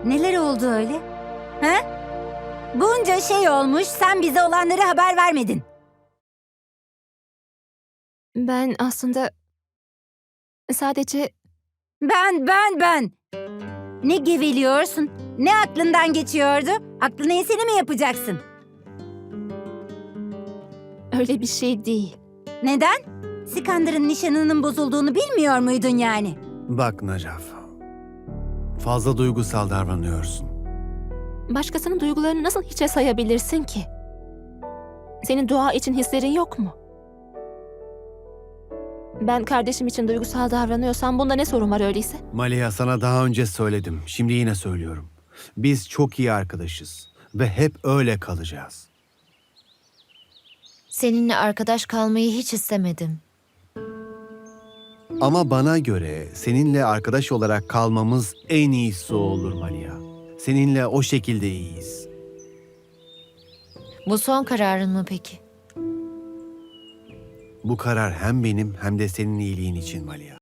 Neler oldu öyle? Ha? Bunca şey olmuş, sen bize olanları haber vermedin. Ben aslında sadece Ben. Ne geveliyorsun? Ne aklından geçiyordu? Aklına eseni mi yapacaksın? öyle bir şey değil. Neden? Sikandar'ın nişanının bozulduğunu bilmiyor muydun yani? Bak Najaf, fazla duygusal davranıyorsun. Başkasının duygularını nasıl hiçe sayabilirsin ki? Senin dua için hislerin yok mu? Ben kardeşim için duygusal davranıyorsam bunda ne sorun var öyleyse? Maliha, sana daha önce söyledim, şimdi yine söylüyorum. Biz çok iyi arkadaşız ve hep öyle kalacağız. Seninle arkadaş kalmayı hiç istemedim. Ama bana göre seninle arkadaş olarak kalmamız en iyisi olur Maliha. Seninle o şekilde iyiyiz. Bu son kararın mı peki? Bu karar hem benim hem de senin iyiliğin için Maliha.